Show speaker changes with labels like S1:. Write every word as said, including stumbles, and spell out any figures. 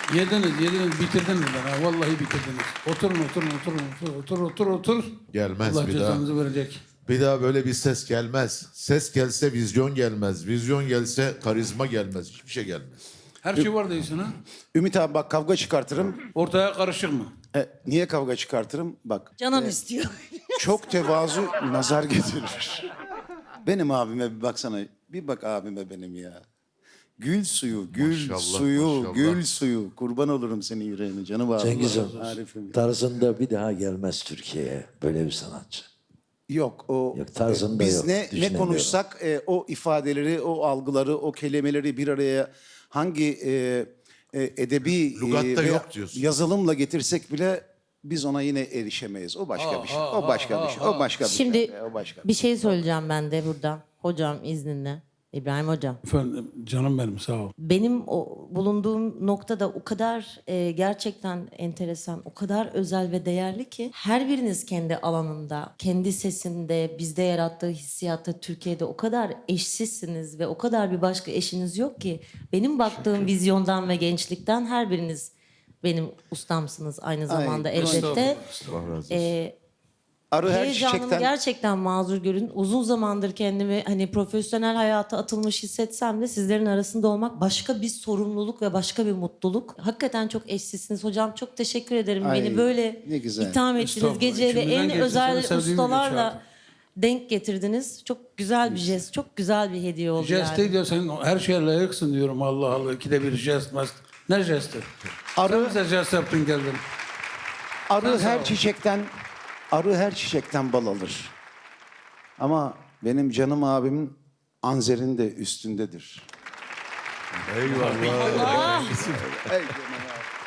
S1: Yediniz, yediniz, bitirdiniz bana. Vallahi bitirdiniz. Oturun, oturun, oturun, otur, otur, otur, otur.
S2: Gelmez
S1: Allah
S2: bir daha.
S1: cezanızı verecek.
S2: Bir daha böyle bir ses gelmez. Ses gelse vizyon gelmez. Vizyon gelse karizma gelmez. Hiçbir şey gelmez.
S1: Her şey var değilsin ha.
S3: Ümit abi bak kavga çıkartırım.
S1: Ortaya karışık mı?
S3: E, niye kavga çıkartırım? Bak
S4: Canan istiyor.
S3: çok tevazu nazar getirir. Benim abime bir baksana. Bir bak abime benim ya. Gül suyu, gül
S2: Maşallah,
S3: suyu,
S2: maşallah.
S3: gül suyu. Kurban olurum senin yüreğine canım abi.
S5: Cengiz'im
S3: Arif'im.
S5: tarzında bir daha gelmez Türkiye'ye böyle bir sanatçı.
S3: Yok o
S5: Yok, tarzında
S3: biz
S5: yok,
S3: ne ne
S5: düşünemiyorum.
S3: konuşsak e, o ifadeleri, o algıları, o kelimeleri bir araya hangi e, e, edebi
S2: Lügatta
S3: veya
S2: yok diyorsun.
S3: yazılımla getirsek bile biz ona yine erişemeyiz. O başka bir şey. O başka bir şey. O başka bir
S4: Şimdi
S3: şey. O başka.
S4: bir şey söyleyeceğim ben de burada. Hocam izninle. İbrahim Hocam.
S1: Efendim, canım benim, sağ ol.
S4: Benim o bulunduğum noktada o kadar e, gerçekten enteresan, o kadar özel ve değerli ki her biriniz kendi alanında, kendi sesinde, bizde yarattığı hissiyatta Türkiye'de o kadar eşsizsiniz ve o kadar bir başka eşiniz yok ki benim baktığım vizyondan ve gençlikten her biriniz benim ustamsınız aynı zamanda
S3: Ay,
S4: elbette.
S2: Allah razı olsun.
S4: E,
S3: Arı her
S4: Heyecanımı
S3: çiçekten
S4: gerçekten mazur görün. Uzun zamandır kendimi hani profesyonel hayata atılmış hissetsem de sizlerin arasında olmak başka bir sorumluluk ve başka bir mutluluk. Hakikaten çok eşsizsiniz. Hocam çok teşekkür ederim.
S3: Ay,
S4: Beni böyle
S3: ne güzel.
S4: itham ettiniz.
S1: Estağfurullah.
S4: Gece ve
S1: İçimizden
S4: en
S1: geçti.
S4: özel
S1: Seni sevdiğim için
S4: ustalarla
S1: çağırdım.
S4: denk getirdiniz. Çok güzel bir jest, çok güzel bir hediye oldu
S1: Jest
S4: yani.
S1: değil ya, sen her şeye layıksın diyorum. Allah Allah, ikide bir jest mast. Ne jesti?
S3: Arı-
S1: Sen bize jest yaptın geldin.
S3: arı
S1: sağ ol.
S3: her çiçekten arı her çiçekten bal alır. Ama benim canım abimin Anzer'in de üstündedir.
S2: Eyvallah.
S3: Ey canım abi.